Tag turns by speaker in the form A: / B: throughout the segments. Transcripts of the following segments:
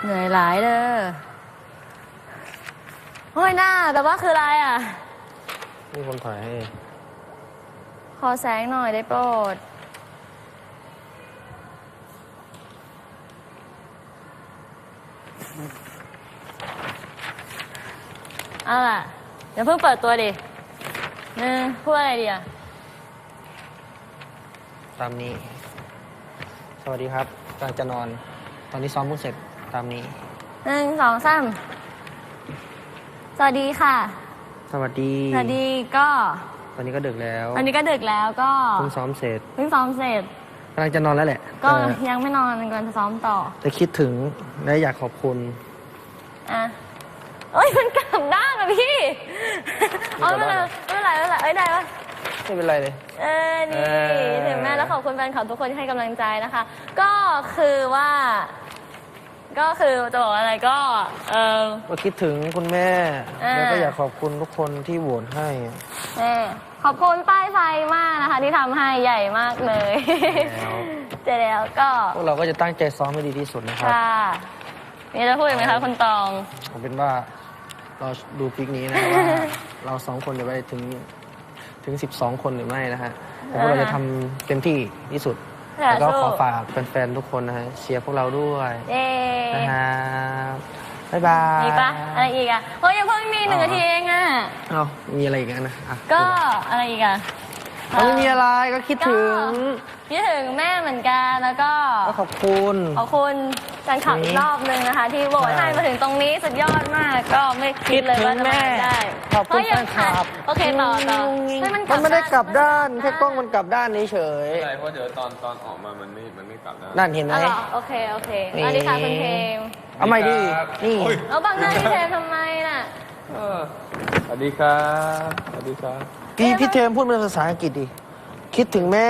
A: เหนื่อยหลายเด้อเฮ้ยหน้าแต่ว่าคืออะไรอ่ะ
B: มีคนถ่ายให้
A: ขอแสงหน่อยได้โปรดเอาล่ะเดี๋ยวเพิ่งเปิดตัวดิพูดอะไรดีอ่ะ
B: ตามนี้สวัสดีครับกำลังจะนอนตอนนี้ซ้อมเพิ่งเสร็จตามนี้
A: 1 2 3สวัสดีค่ะ
B: สวัสดี
A: ก็
B: ตอนนี้ก็ดึกแล้ว
A: ตอนนี้ก็ดึกแล้วก็
B: เพิ่งซ้อมเสร็จกำลังจะนอนแล้วแหละ
A: ก็ยังไม่นอนกำลังจะซ้อมต่อ
B: แต่คิดถึงและอยากขอบคุณ
A: เอ้ยมันกลับด้านอ่ะพี่ไม่เป็นไรเอ้ยได้ปะ
B: ไม่เป็นไรเลย
A: นี่ถึงแม่แล้วขอบคุณแฟนคลับทุกคนที่ให้กำลังใจนะคะก็คือจะบอกอะไรก็
B: คิดถึงคุณแม่แล้วก็อยากขอบคุณทุกคนที่โหวตให้
A: ขอบคุณป้ายไฟมากนะคะที่ทำให้ใหญ่มากเลยเจ๊แล้วก็
B: พวกเราก็จะตั้งใจซ้อมให้ดีที่สุดนะครับ
A: มีจะพูดอีกไหมคะคุณตอง
B: ผมเป็นว่าเราดูปิกนี้นะว่าเรา2 คนจะไปถึง12 คนหรือไม่นะฮะพวกเราจะทำเต็มที่ที่สุดแล้วก็ขอฝากแฟนๆทุกคนนะฮะเชียร์พวกเราด้วยนะฮะบ๊ายบาย
A: มีปะอะไรอีกอ่ะเฮ้ยยังเพิ่งมี1 นาทีเองอ่ะ
B: มีอะไรอีกนะ
A: ก็อะไรอีกอ่ะ
B: ไม่มีอะไรก็คิดถึง
A: แม่เหมือนกันแล้วก็
B: ขอบคุณ
A: การขับอีกรอบนึงนะคะที่โหวตให้มาถึงตรงนี้สุดยอดมากก็ไม่คิดเลยว่าจะมาได้
B: ขอบคุณแฟนคลับ
A: โอเคต่อ
B: มันไม่ได้กลับด้านแค่กล้องมันกลับด้านนี้เฉย
C: ใช่เพราะเดี๋ยวตอนออกมามันไม่กลับด้าน
B: นั่นเห็นไหม
A: โอเคสวัสดีค่ะคุณเทม
B: เอาใหม่ดินี่
A: เอาบังหน้าพี่เทมทำไมน่ะ
C: สวัสดีครับ
B: พี่เทมพูดเป็นภาษาอังกฤษดิคิดถึงแม่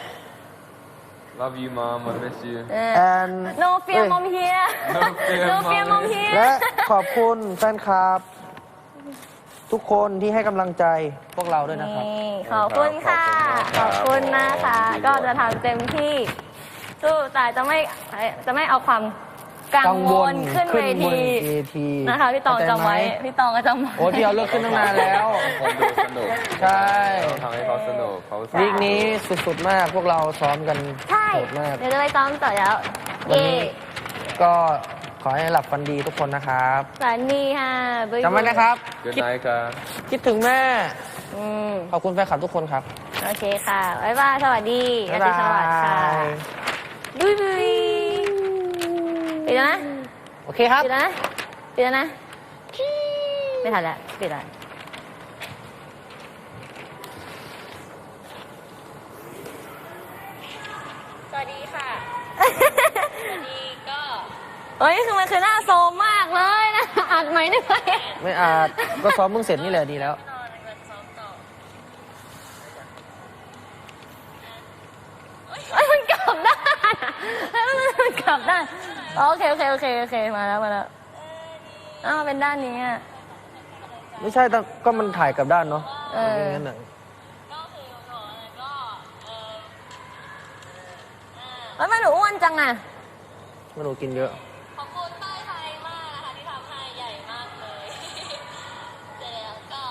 C: Love you mom I miss you
B: and
A: No fear mom here No fear mom here
B: และขอบคุณแฟนคลับทุกคนที่ให้กำลังใจพวกเราด้วยนะครับ
A: ขอบคุณค่ะขอบคุณนะคะก็จะทำเต็มที่สู้แต่จะไม่เอาความกังวลขึ้นเวทีนะคะพี่ตองจำไว้พี่ตองก็จำไว้
B: โอ้พี่เอาเลิกขึ้นตั้งนานแล้ว
C: คนดูสนุก
B: ใช่
C: ทำให้เขาสนุก
B: วีคนี้สุดๆมากพวกเราซ้อมกันโหดมาก
A: เดี๋ยวจะไปซ้อมต่อแล้ว
B: ก็ขอให้หลับฝันดีทุกคนนะครับ
A: ฝันดีค่ะ
B: จำไว้นะครับ
C: คิด
B: ถึงแม่ขอบคุณแฟนคลับทุกคนครับ
A: โอเคค่ะบ๊ายบายสวัสดีอาทิตย์สวัสดิ์ค่ะบุยปิดแล้วนะ
B: โอเคครับ
A: ปิดแล้วนะไม่ทันแล้วปิดแล้วสวัสดีค่ะสวัสดีก็คือมันคือหน้าโซมมากเลยนะอัดไหมได้ไหม
B: ไม่อัดก็ซ้อมเพิ่งเสร็จนี่แหละดีแล้ว
A: มันกลับด้านมันกลับด้านโอเคมาแล้วเป็นด้านนี้อ่ะ
B: ไม่ใช่ก็มันถ่ายกับด้านเนาะงั้นน่ะ
A: แล้วมันหนูอ้วนจังอ่ะ
B: มันหนูกินเยอะ
A: ขอบคุณป้ายไฟมากนะคะที่ทำให้ใหญ่มากเลยเสร็จแล้วก็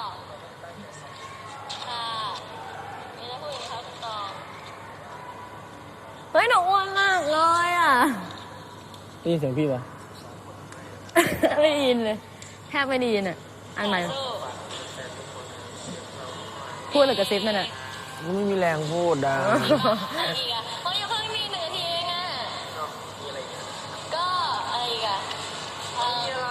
A: ค่ะนี่จะพูดอย่างนี้ครับคุณตองเฮ้ยหนูอ้วนมากเลยอ่ะ
B: ได้ยินเสียงพี่ปะ
A: ไม่ได้ยินเลยแทบไม่ได้ยินอ่ะอันใหม่พูดหรือกระซิบนั่นอ่ะ
B: ไม่มีแรงพูดดัง
A: อีกอ่ะยังเพิ่งมี1 นาทีเองอ่ะก็อะไรอีกอ่ะก็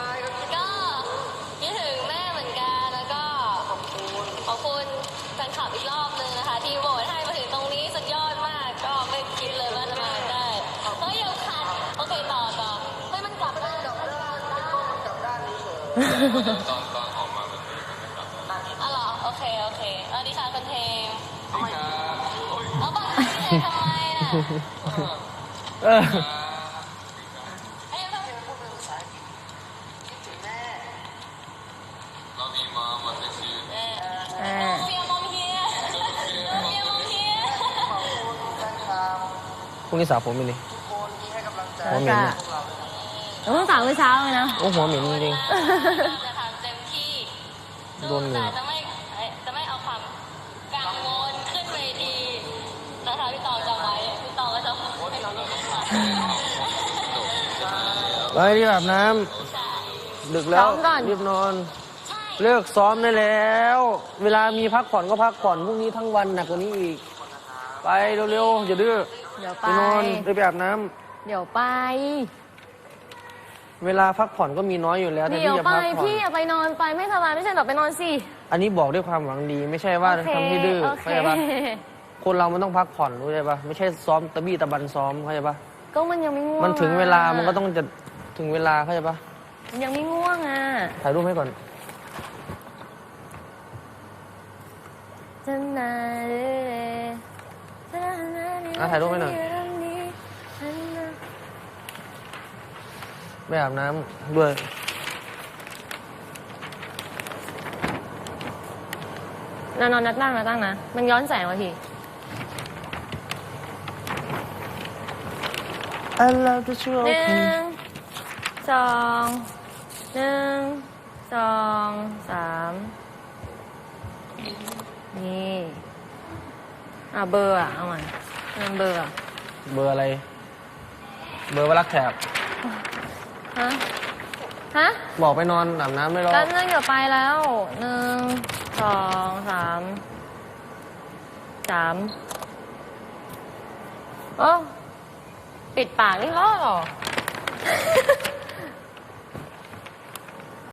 A: คิดถึงแม่เหมือนกันแล้วก็ขอบคุณแฟนคลับอีกรอบนึงนะคะที่โหวตให้มาถึงตรงนี้สุดยอดมากก็ไม่คิดเลยว่าจะมาได้ยังขัดโอเคต่อมันกลับด้านนี้
C: ตอนออกมามันไม่กลับด้าน
A: เหรอโอเคสวัสดีค่ะคุณเทมเอาบังคับพี่ทำไมน่ะ
C: Love you mom I miss you
A: เฟียมอมเฮีย
B: พรุ่งนี้สาวผมไปเลยผมเหม็นเนี่ย
D: เพิ่งสาวเมื่อเช้าเลยนะ
B: โอ้หัวเหม็นจริง
A: จะทำเต็มที่
B: โดนเหงื่อ
A: แต่จะไม่เอาความกังวลขึ้นเวทีนะคะพี่ตองจำไว้พี่ตองก็จะให้เราดีกว่า
B: ๆไปรีบอาบน้ำดึกแล้วรีบนอน เลิกซ้อมได้แล้ว เวลามีพักผ่อนก็พักผ่อนพรุ่งนี้ทั้งวันหนักกว่านี้อีก ไปเร็วๆอย่าดื้อ
D: เดี๋ยว
B: ไป
D: ไป
B: นอนไปอาบน้ำ
D: เดี๋ยวไป
B: เวลาพักผ่อนก็มีน้อยอยู่แล้วแต่
D: เดี๋ยว
B: ที่จะ
D: ไป
B: พักผ่อน
D: พี่อย่าไปนอนไปไม่สบายไม่ใช่หรอไปนอนสิ
B: อันนี้บอกด้วยความหวังดี ไม่ใช่ว่า
D: โอเค
B: ทำให้ดื้อ
D: โอเค
B: เข้าใจปะคนเรามันต้องพักผ่อนรู้ใช่ปะไม่ใช่ซ้อมตะบี้ตะบันซ้อมเข้าใจปะ
D: ก็มันยังไม่ง่วง
B: มันถึงเวลา
D: อะ
B: มันก็ต้องจะถึงเวลาเข้าใจปะ
D: มันยังไม่ง่วงอ่ะ
B: ถ่ายรูปให้ก่อน ถ่ายรูปให้หน่อย ไม่อาบน้ำด้วย
D: นอนนัดตั้งนะ มันย้อนแสงว่ะพี่
B: I love the show
D: หนึ่งสองหนึ่งสองสามนี่เบอร์อ่ะเอาใหม่เบอร์อ่ะ
B: เบอร์อะไร เบอร์ว่ารักแถบ
D: ฮะ
B: บอกไปนอนอาบน้ำไม่รอ
D: แป๊บนึงเดี๋ยวไปแล้วหนึ่งสองสามโอ้ปิดปากนี่ล้อเหรอ